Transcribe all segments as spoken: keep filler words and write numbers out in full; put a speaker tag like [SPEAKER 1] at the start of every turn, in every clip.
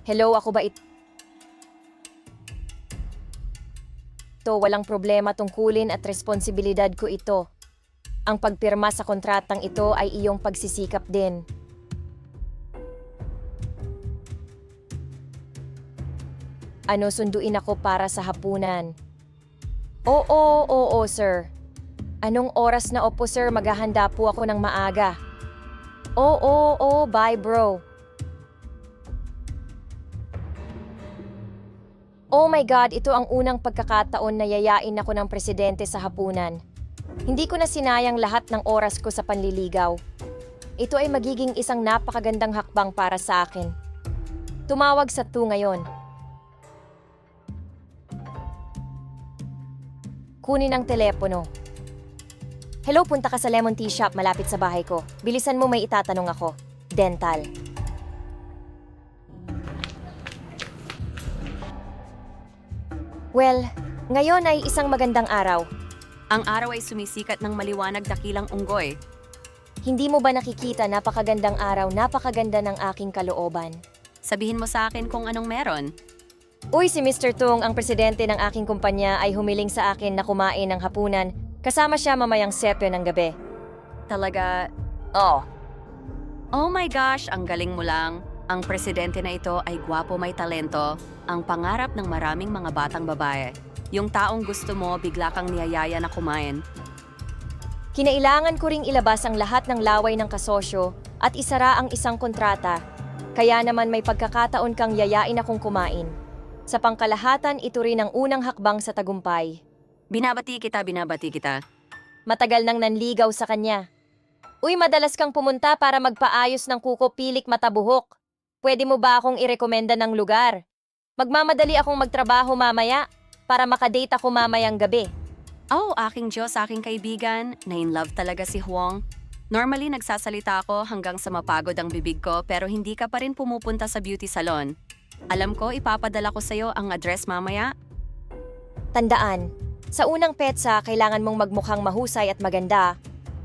[SPEAKER 1] Hello, ako ba ito? Walang problema tungkulin at responsibilidad ko ito. Ang pagpirma sa kontratang ito ay iyong pagsisikap din. Ano, sunduin ako para sa hapunan? Oo, oo, sir. Anong oras na? Opo, sir, maghahanda po ako ng maaga. Oo, oo, bye, bro. Oh my God, ito ang unang pagkakataon na yayain ako ng presidente sa hapunan. Hindi ko na sinayang lahat ng oras ko sa panliligaw. Ito ay magiging isang napakagandang hakbang para sa akin. Tumawag sa tu ngayon. Kunin ang telepono. Hello, punta ka sa Lemon Tea Shop malapit sa bahay ko. Bilisan mo, may itatanong ako. Dental. Well, ngayon ay isang magandang araw.
[SPEAKER 2] Ang araw ay sumisikat ng maliwanag dakilang unggoy.
[SPEAKER 1] Hindi mo ba nakikita napakagandang araw, napakaganda ng aking kalooban?
[SPEAKER 2] Sabihin mo sa akin kung anong meron.
[SPEAKER 1] Uy, si mister Tung, ang presidente ng aking kumpanya, ay humiling sa akin na kumain ng hapunan. Kasama siya mamayang sepyo ng gabi.
[SPEAKER 2] Talaga,
[SPEAKER 1] Oh,
[SPEAKER 2] oh my gosh, ang galing mo lang. Ang presidente na ito ay gwapo, may talento. Ang pangarap ng maraming mga batang babae. Yung taong gusto mo, bigla kang niyayaya na kumain.
[SPEAKER 1] kinailangan ko ring ilabas ang lahat ng laway ng kasosyo at isara ang isang kontrata. Kaya naman may pagkakataon kang yayain akong kumain. Sa pangkalahatan, ito rin ang unang hakbang sa tagumpay.
[SPEAKER 2] Binabati kita, binabati kita.
[SPEAKER 1] Matagal nang nanligaw sa kanya. Uy, madalas kang pumunta para magpaayos ng kuko pilik mata buhok. Pwede mo ba akong irekomenda ng lugar? Magmamadali akong magtrabaho mamaya para makadate ako mamayang gabi.
[SPEAKER 2] Oh, aking Diyos, aking kaibigan. Na-in-love talaga si Huang. Normally, nagsasalita ako hanggang sa mapagod ang bibig ko pero hindi ka pa rin pumupunta sa beauty salon. Alam ko, ipapadala ko sa'yo ang address mamaya.
[SPEAKER 1] Tandaan, sa unang petsa, kailangan mong magmukhang mahusay at maganda.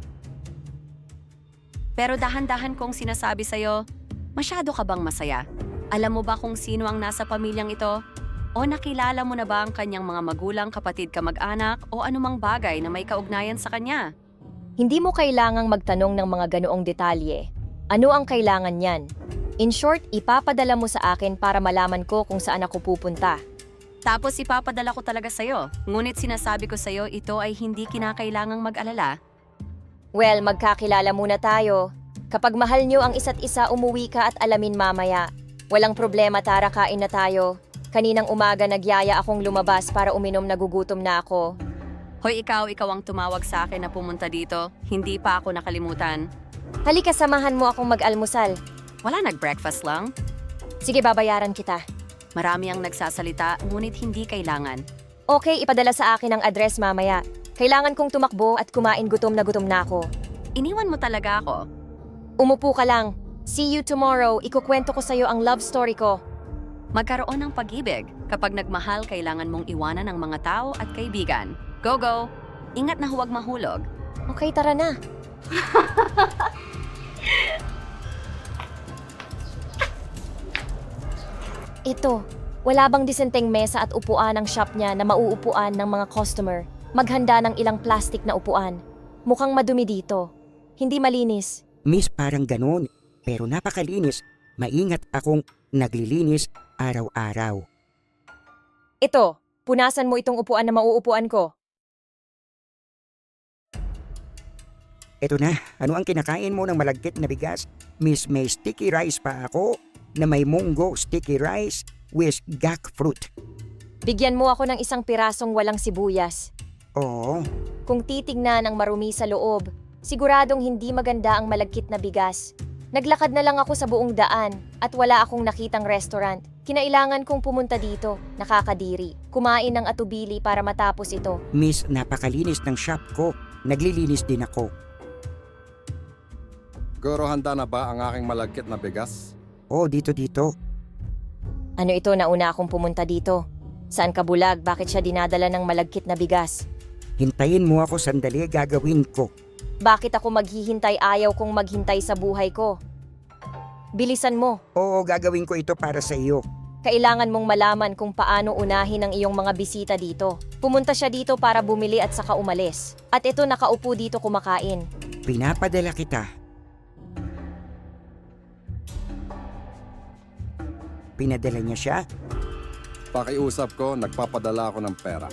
[SPEAKER 2] Pero dahan-dahan kong sinasabi sa'yo, masyado ka bang masaya? Alam mo ba kung sino ang nasa pamilyang ito? O nakilala mo na ba ang kanyang mga magulang, kapatid, kamag-anak o anumang bagay na may kaugnayan sa kanya?
[SPEAKER 1] Hindi mo kailangang magtanong ng mga ganoong detalye. Ano ang kailangan niyan? In short, ipapadala mo sa akin para malaman ko kung saan ako pupunta.
[SPEAKER 2] Tapos ipapadala ko talaga sa'yo. Ngunit sinasabi ko sa'yo, ito ay hindi kinakailangang mag-alala.
[SPEAKER 1] Well, magkakilala muna tayo. Kapag mahal niyo ang isa't isa, umuwi ka at alamin mamaya. Walang problema, tara, kain na tayo. Kaninang umaga nagyaya akong lumabas para uminom, nagugutom na ako.
[SPEAKER 2] Hoy, ikaw, ikaw ang tumawag sa akin na pumunta dito. Hindi pa ako nakalimutan.
[SPEAKER 1] Halika, samahan mo akong mag-almusal.
[SPEAKER 2] Wala, nag-breakfast lang.
[SPEAKER 1] Sige, babayaran kita.
[SPEAKER 2] Marami ang nagsasalita, ngunit hindi kailangan.
[SPEAKER 1] Okay, ipadala sa akin ang address mamaya. Kailangan kong tumakbo at kumain, gutom na gutom na ako.
[SPEAKER 2] Iniwan mo talaga ako.
[SPEAKER 1] Umupo ka lang. See you tomorrow. Ikukwento ko sa'yo ang love story ko.
[SPEAKER 2] Magkaroon ng pag-ibig. Kapag nagmahal, kailangan mong iwanan ang mga tao at kaibigan. Go, go! Ingat na huwag mahulog.
[SPEAKER 1] Okay, tara na. Ito, wala bang disenteng mesa at upuan ang shop niya na mauupuan ng mga customer? Maghanda ng ilang plastic na upuan. Mukhang madumi dito. Hindi malinis.
[SPEAKER 3] Miss, parang ganun. Pero napakalinis. Maingat akong naglilinis araw-araw.
[SPEAKER 1] Ito, punasan mo itong upuan na mauupuan ko.
[SPEAKER 3] Eto na, ano ang kinakain mo ng malagkit na bigas? Miss, may sticky rice pa ako na may munggo sticky rice with gak fruit.
[SPEAKER 1] Bigyan mo ako ng isang pirasong walang sibuyas.
[SPEAKER 3] Oo,
[SPEAKER 1] Kung titignan ang marumi sa loob, siguradong hindi maganda ang malagkit na bigas. Naglakad na lang ako sa buong daan at wala akong nakitang restaurant. Kinailangan kong pumunta dito, nakakadiri. Kumain ng atubili para matapos ito.
[SPEAKER 3] Miss, napakalinis ng shop ko. Naglilinis din ako.
[SPEAKER 4] Guro, handa na ba ang aking malagkit na bigas?
[SPEAKER 3] Oh, dito dito.
[SPEAKER 1] Ano ito, nauna akong pumunta dito? Saan ka bulag? Bakit siya dinadala ng malagkit na bigas?
[SPEAKER 3] Hintayin mo ako sandali, gagawin ko.
[SPEAKER 1] Bakit ako maghihintay? Ayaw kong maghintay sa buhay ko. Bilisan mo.
[SPEAKER 3] Oo, gagawin ko ito para sa iyo.
[SPEAKER 1] Kailangan mong malaman kung paano unahin ang iyong mga bisita dito. Pumunta siya dito para bumili at saka umalis. At ito nakaupo dito kumakain.
[SPEAKER 3] Pinapadala kita. Pinadala niya siya?
[SPEAKER 4] Pakiusap ko, nagpapadala ako ng pera.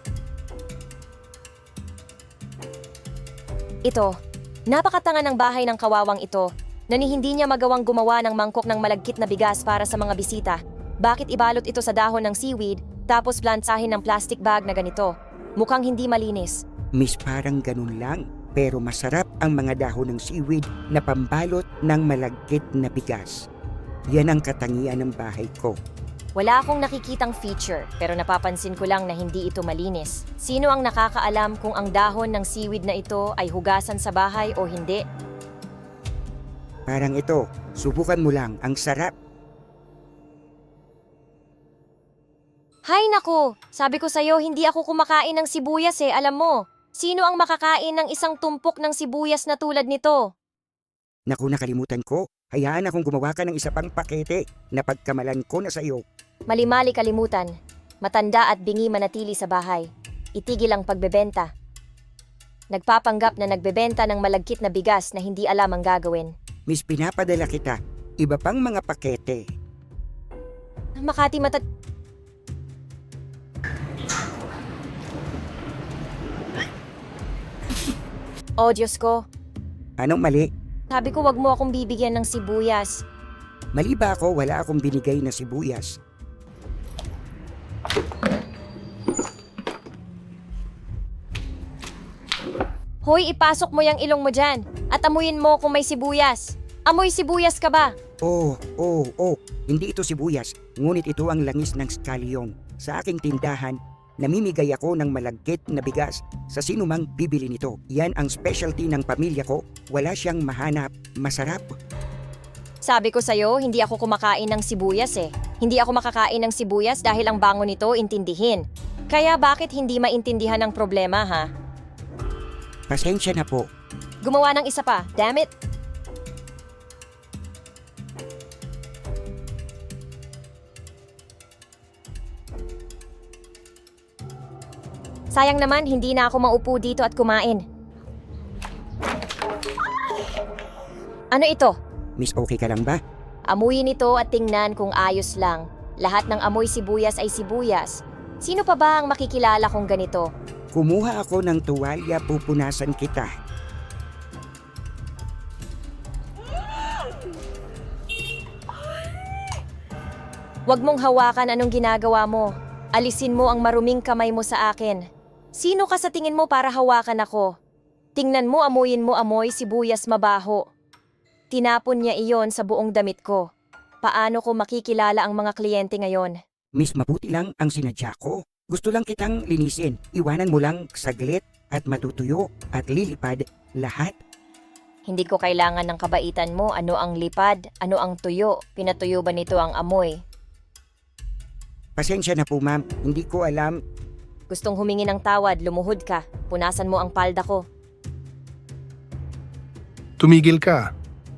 [SPEAKER 1] Ito, napakatanga ng bahay ng kawawang ito na ni hindi niya magawang gumawa ng mangkok ng malagkit na bigas para sa mga bisita. Bakit ibalot ito sa dahon ng seaweed tapos plansahin ng plastic bag na ganito? Mukhang hindi malinis.
[SPEAKER 3] Miss, parang ganun lang. Pero masarap ang mga dahon ng seaweed na pambalot ng malagkit na bigas. Yan ang katangian ng bahay ko.
[SPEAKER 1] Wala akong nakikitang feature pero napapansin ko lang na hindi ito malinis. Sino ang nakakaalam kung ang dahon ng seaweed na ito ay hugasan sa bahay o hindi?
[SPEAKER 3] Parang ito, subukan mo lang, ang sarap.
[SPEAKER 1] Hay nako, sabi ko sa'yo hindi ako kumakain ng sibuyas eh, alam mo. Sino ang makakain ng isang tumpok ng sibuyas na tulad nito?
[SPEAKER 3] Naku, nakalimutan ko. Hayaan akong gumawa ka ng isa pang pakete na pagkamalan ko na sa iyo.
[SPEAKER 1] Mali-mali kalimutan. Matanda at bingi manatili sa bahay. Itigil ang pagbebenta. Nagpapanggap na nagbebenta ng malagkit na bigas na hindi alam ang gagawin.
[SPEAKER 3] Miss, pinapadala kita. Iba pang mga pakete.
[SPEAKER 1] Makati mata... Oh, Diyos ko.
[SPEAKER 3] Anong mali?
[SPEAKER 1] Sabi ko wag mo akong bibigyan ng sibuyas.
[SPEAKER 3] Mali ba ako? Wala akong binigay na sibuyas.
[SPEAKER 1] Hoy, ipasok mo yung ilong mo dyan at amuyin mo kung may sibuyas. Amoy sibuyas ka ba?
[SPEAKER 3] Oh, oh, oh. Hindi ito sibuyas. Ngunit ito ang langis ng scallion. Sa aking tindahan, namimigay ako ng malagkit na bigas sa sinumang bibili nito. Yan ang specialty ng pamilya ko. Wala siyang mahanap. Masarap.
[SPEAKER 1] Sabi ko sa'yo, hindi ako kumakain ng sibuyas eh. Hindi ako makakain ng sibuyas dahil ang bango nito intindihin. Kaya bakit hindi maintindihan ang problema, ha?
[SPEAKER 3] Pasensya na po.
[SPEAKER 1] Gumawa ng isa pa, damn it! Sayang naman, hindi na ako maupo dito at kumain. Ano ito?
[SPEAKER 3] Miss, okay ka lang ba?
[SPEAKER 1] Amuyin ito at tingnan kung ayos lang. Lahat ng amoy sibuyas ay sibuyas. Sino pa ba ang makikilala kong ganito?
[SPEAKER 3] Kumuha ako ng tuwalya, pupunasan kita.
[SPEAKER 1] Huwag mong hawakan anong ginagawa mo. Alisin mo ang maruming kamay mo sa akin. Sino ka sa tingin mo para hawakan ako? Tingnan mo, amuyin mo amoy sibuyas mabaho. Tinapon niya iyon sa buong damit ko. Paano ko makikilala ang mga kliyente ngayon?
[SPEAKER 3] Miss, mabuti lang ang sinadya ko. Gusto lang kitang linisin. Iwanan mo lang saglit at matutuyo at lilipad lahat.
[SPEAKER 1] Hindi ko kailangan ng kabaitan mo. Ano ang lipad? Ano ang tuyo? Pinatuyo ba nito ang amoy?
[SPEAKER 3] Pasensya na po, ma'am. Hindi ko alam.
[SPEAKER 1] Gustong humingi ng tawad, lumuhod ka. Punasan mo ang palda ko.
[SPEAKER 5] Tumigil ka.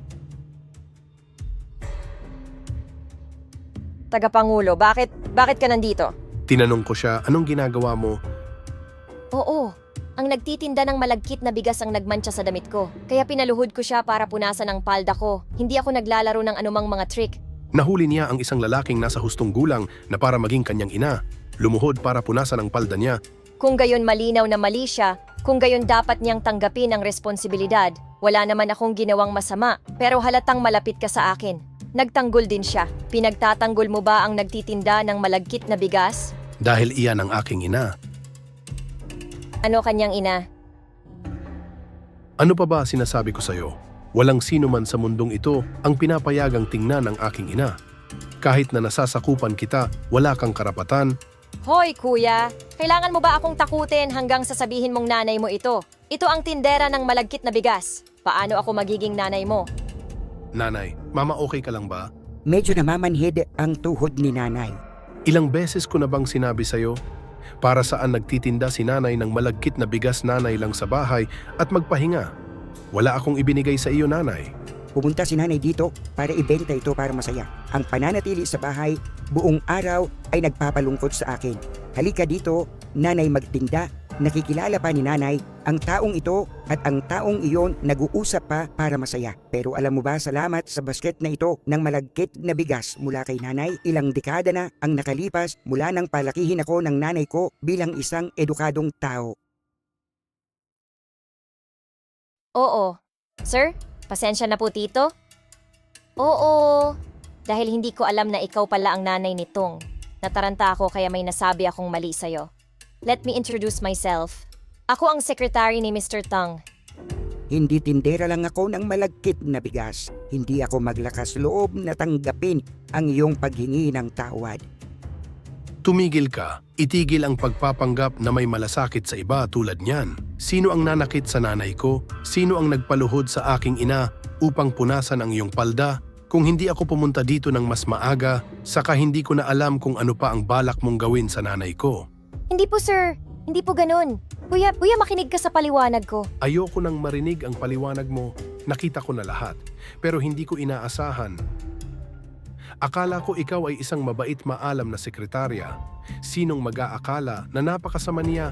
[SPEAKER 1] Tagapangulo, bakit, bakit ka nandito?
[SPEAKER 5] Tinanong ko siya, anong ginagawa mo?
[SPEAKER 1] Oo, ang nagtitinda ng malagkit na bigas ang nagmantsa sa damit ko. Kaya pinaluhod ko siya para punasan ang palda ko. Hindi ako naglalaro ng anumang mga trick.
[SPEAKER 5] Nahuli niya ang isang lalaking nasa hustong gulang na para maging kanyang ina. Lumuhod para punasan ang palda niya.
[SPEAKER 1] Kung gayon malinaw na mali siya, kung gayon dapat niyang tanggapin ang responsibilidad. Wala naman akong ginawang masama, pero halatang malapit ka sa akin. Nagtanggol din siya. Pinagtatanggol mo ba ang nagtitinda ng malagkit na bigas?
[SPEAKER 5] Dahil iyan ang aking ina.
[SPEAKER 1] Ano kanyang ina?
[SPEAKER 5] Ano pa ba sinasabi ko sa'yo? Walang sino man sa mundong ito ang pinapayagang tingnan ng aking ina. Kahit na nasasakupan kita, wala kang karapatan.
[SPEAKER 1] Hoy kuya, kailangan mo ba akong takutin hanggang sasabihin mong nanay mo ito? Ito ang tindera ng malagkit na bigas. Paano ako magiging nanay mo?
[SPEAKER 5] Nanay, mama okay ka lang ba?
[SPEAKER 3] Medyo namamanhid ang tuhod ni nanay.
[SPEAKER 5] Ilang beses ko na bang sinabi sa'yo? Para saan nagtitinda si nanay ng malagkit na bigas nanay lang sa bahay at magpahinga? Wala akong ibinigay sa iyo, nanay.
[SPEAKER 3] Pumunta si nanay dito para ibenta ito para masaya. Ang pananatili sa bahay buong araw ay nagpapalungkot sa akin. Halika dito, nanay magtinda. Nakikilala pa ni nanay ang taong ito at ang taong iyon nag-uusap pa para masaya. Pero alam mo ba, salamat sa basket na ito ng malagkit na bigas mula kay nanay. Ilang dekada na ang nakalipas mula nang palakihin ako ng nanay ko bilang isang edukadong tao.
[SPEAKER 1] Oo. Sir, pasensya na po tito. Oo. Dahil hindi ko alam na ikaw pala ang nanay nitong. Nataranta ako kaya may nasabi akong mali sa'yo. Let me introduce myself. Ako ang secretary ni Mister Tang.
[SPEAKER 3] Hindi tindera lang ako ng malagkit na bigas. Hindi ako maglakas loob na tanggapin ang iyong paghingi ng tawad.
[SPEAKER 5] Tumigil ka. Itigil ang pagpapanggap na may malasakit sa iba tulad niyan. Sino ang nanakit sa nanay ko? Sino ang nagpaluhod sa aking ina upang punasan ang iyong palda? Kung hindi ako pumunta dito ng mas maaga, saka hindi ko na alam kung ano pa ang balak mong gawin sa nanay ko.
[SPEAKER 1] Hindi po sir. Hindi po ganun. Kuya, kuya makinig ka sa paliwanag ko.
[SPEAKER 5] Ayoko nang marinig ang paliwanag mo. Nakita ko na lahat. Pero hindi ko inaasahan. Akala ko ikaw ay isang mabait maalam na sekretarya. Sinong mag-aakala na napakasama niya?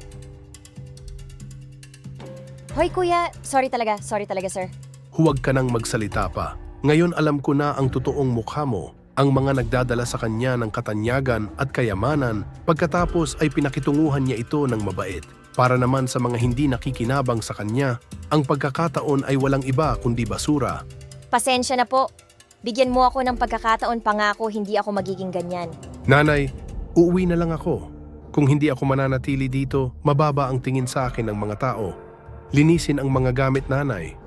[SPEAKER 1] Hoy kuya, sorry talaga, sorry talaga sir.
[SPEAKER 5] Huwag ka nang magsalita pa. Ngayon alam ko na ang totoong mukha mo. Ang mga nagdadala sa kanya ng katanyagan at kayamanan, pagkatapos ay pinakitunguhan niya ito ng mabait. Para naman sa mga hindi nakikinabang sa kanya, ang pagkakataon ay walang iba kundi basura.
[SPEAKER 1] Pasensya na po. Bigyan mo ako ng pagkakataon, pangako hindi ako magiging ganyan.
[SPEAKER 5] Nanay, uuwi na lang ako. Kung hindi ako mananatili dito, mababa ang tingin sa akin ng mga tao. Linisin ang mga gamit, nanay.